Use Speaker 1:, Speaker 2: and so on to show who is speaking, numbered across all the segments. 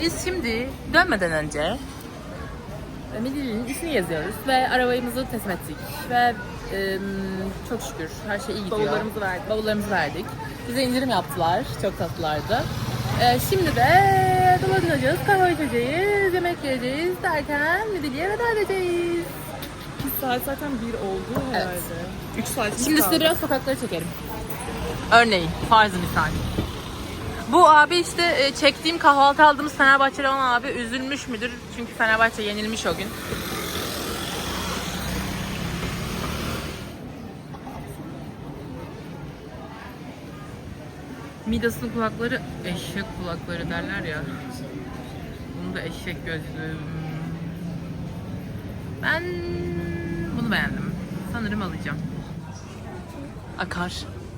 Speaker 1: Biz şimdi dönmeden önce Midilli'nin ismini yazıyoruz ve arabayımızı teslim ettik ve çok şükür her şey iyi gidiyor. Bavullarımızı verdik. Bize indirim yaptılar. Çok tatlılardı. Şimdi de dolanacağız, kahve içeceğiz, yemek yiyeceğiz derken Midilli'ye veda edeceğiz.
Speaker 2: 2 saat zaten 1 oldu herhalde.
Speaker 1: Evet.
Speaker 2: 3 saat
Speaker 1: Şimdi size biraz sokakları çekelim. Örneğin, farzı misal. Bu abi işte çektiğim kahvaltı aldığımız Fenerbahçeli olan abi üzülmüş müdür? Çünkü Fenerbahçe yenilmiş o gün. Midas'ın kulakları eşek kulakları derler ya. Bunu da eşek gözlü. Ben bunu beğendim. Sanırım alacağım. Akar.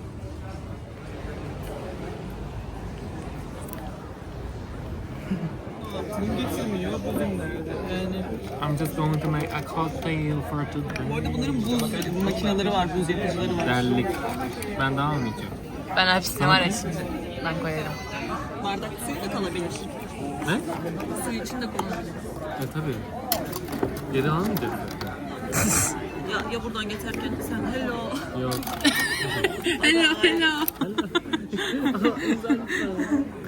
Speaker 3: I'm just going to make a cocktail for today.
Speaker 2: Bu arada bunların buz makineleri var, buz yapıcıları var.
Speaker 3: Derlik. Ben daha almayacağım.
Speaker 1: Ben hepsini var ya şimdi. Ben koyarım.
Speaker 2: Bardak suyu da kalabilir.
Speaker 3: Ne?
Speaker 2: Suyu için de kullanabilir.
Speaker 3: Tabii. Geri almayacağız.
Speaker 2: Ya buradan geçerken sen hello.
Speaker 3: Yok.
Speaker 1: Hello hello.